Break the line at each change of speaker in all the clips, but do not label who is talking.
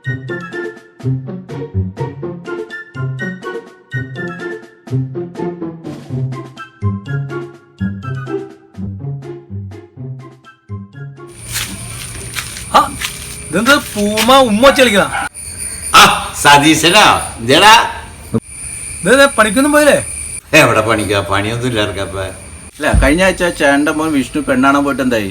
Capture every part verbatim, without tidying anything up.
ഇതെന്താ പൂമ ഉമ്മ കളിക്കണ
സതീശനാ എന്തേടാ
ഇതെ പണിക്കൊന്നും പോയില്ലേ?
എവിടെ പണിക്കാ? പണിയൊന്നും ഇല്ല ഇറക്കപ്പ.
അല്ല കഴിഞ്ഞ ആഴ്ച ചേട്ടൻ്റെ മോൻ വിഷ്ണു പെണ്ണാണാൻ പോയിട്ട് എന്തായി?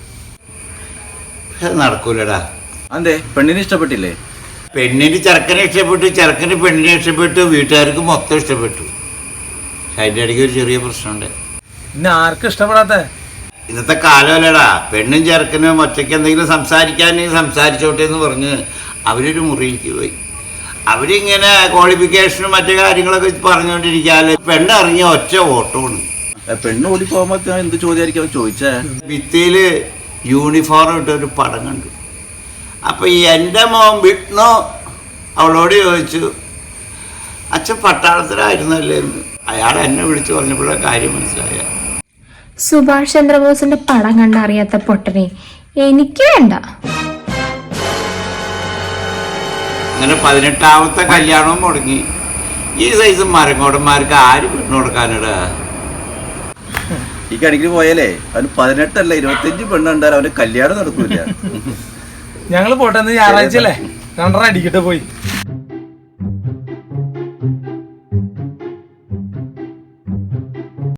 നടക്കൂലടാ.
അതെ, പെണ്ണിനെ ഇഷ്ടപ്പെട്ടില്ലേ?
പെണ്ണിന് ചെറുക്കനെ ഇഷ്ടപ്പെട്ടു, ചെറുക്കന് പെണ്ണിനെ ഇഷ്ടപ്പെട്ടു, വീട്ടുകാർക്ക് മൊത്തം ഇഷ്ടപ്പെട്ടു. അതിൻ്റെ ഇടയ്ക്ക് ഒരു ചെറിയ പ്രശ്നമുണ്ട്.
പിന്നെ ആർക്കും ഇഷ്ടപ്പെടാത്ത
ഇന്നത്തെ കാലമല്ലടാ. പെണ്ണും ചെറുക്കനും ഒറ്റയ്ക്ക് എന്തെങ്കിലും സംസാരിക്കാനെങ്കിൽ സംസാരിച്ചോട്ടെ എന്ന് പറഞ്ഞ് അവരൊരു മുറിയിലേക്ക് പോയി. അവരിങ്ങനെ ക്വാളിഫിക്കേഷനും മറ്റു കാര്യങ്ങളൊക്കെ പറഞ്ഞുകൊണ്ടിരിക്കാല് പെണ്ണ് ഇറങ്ങിയ ഒറ്റ ഓട്ടമാണ്.
പെണ്ണ് ഓടി പോകുമ്പോൾ എന്ത് ചോദ്യമായിരിക്കും ചോദിച്ചേ?
ഭിത്തിയില് യൂണിഫോം ഇട്ട ഒരു പടം കണ്ടു. അപ്പൊ എൻ്റെ മോൻ വിഷ്ണു അവളോട് ചോദിച്ചു, അച്ഛൻ പട്ടാളത്തിലായിരുന്നല്ലേ എന്ന്. അയാൾ എന്നെ വിളിച്ചു പറഞ്ഞപ്പോഴാ കാര്യം മനസ്സിലായ.
സുഭാഷ് ചന്ദ്രബോസിന്റെ പടം കണ്ടറിയാത്ത പൊട്ടനെ എനിക്ക് വേണ്ട.
അങ്ങനെ പതിനെട്ടാമത്തെ കല്യാണവും മുടങ്ങി. ഈ സൈസ് മരങ്ങോടന്മാർക്ക് ആര് പെണ്ണു കൊടുക്കാനിടാ?
ഈ കണിക്കിന് പോയാലേ അവന് പതിനെട്ടല്ല ഇരുപത്തഞ്ച് പെണ്ണുണ്ടായാലും അവന് കല്യാണം നടക്കൂല.
ഞങ്ങള് പോട്ടെ, ഞായറാഴ്ച അല്ലേ രണ്ടര അടിക്കട്ടെ പോയി.